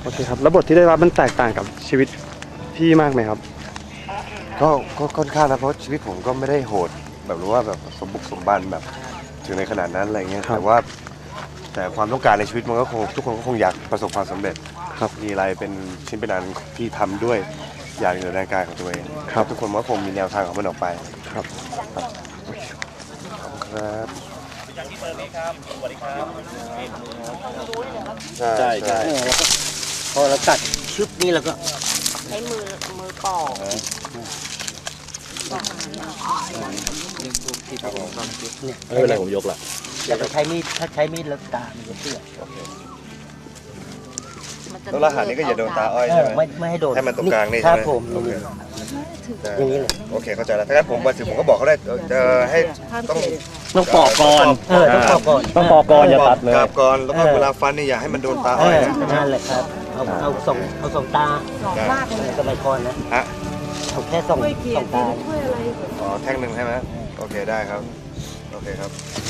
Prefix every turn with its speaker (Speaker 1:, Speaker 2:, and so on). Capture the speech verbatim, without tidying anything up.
Speaker 1: โอเคครับแล้วบทที่ได้รับมันแตกต่างกับชีวิตพี่มากไหมครับ
Speaker 2: ก็ก็ค่อนข้างนะเพราะชีวิตผมก็ไม่ได้โหดแบบรู้ว่าแบบสมบุกสมบันแบบถึงในขนาดนั้นอะไรเงี้ยแต่ว่าแต่ความต้องการในชีวิตมันก็คงทุกคนก็คงอยากประสบความสำเร็จครับมีอะไรเป็นชิ้นเป็นอันที่ทำด้วยอย่างเหนือแรงกายของตัวเองครับทุกคนก็คงมีแนวทางของมันออกไปครับครับครับอย่างที่เบอร์นี้ครับสวัสดีครับใช่ใช่
Speaker 3: แล้วก็พอเราตัดชึบนี่แล้วก็
Speaker 4: ใช้มือมือปอก
Speaker 3: ไม่เป็นไรผมยกละอย่าไปใช้มีดถ้าใช้มีดแล้วตามันจะเสีย
Speaker 2: แล้วรหัสนี้ก็อย่าโดนตาอ้อยใช่ไหม
Speaker 3: ไม่ไม่ให้โดน
Speaker 2: ให้มันตรงกลางนี่
Speaker 3: ใช่ไหม
Speaker 2: ครับ
Speaker 3: ผมอย่างนี้เลย
Speaker 2: โอเคเข้าใจแล้วถ้างั้นผมวันศุกร์ผมก็บอกเขาได้จะให้ต้อง
Speaker 1: ต้องปอกก่อน
Speaker 3: เออต้องปอกก่อน
Speaker 1: ต้องปอกก่อนอย่าตัดเลย
Speaker 2: กราบก่อนแล้วก็เวลาฟันนี่อย่าให้มันโดนตา
Speaker 3: เอ
Speaker 2: อ้อย
Speaker 3: อ
Speaker 2: นะ
Speaker 3: นั่นแหละครับเอาเอาสองเอาสองตาสมัยก่อนนะ
Speaker 2: ฮะ
Speaker 3: เอาแค่สองสองตา
Speaker 2: อ๋อแท่งหนึ่งใช่ไหมโอเคได้ครับโอเคครับ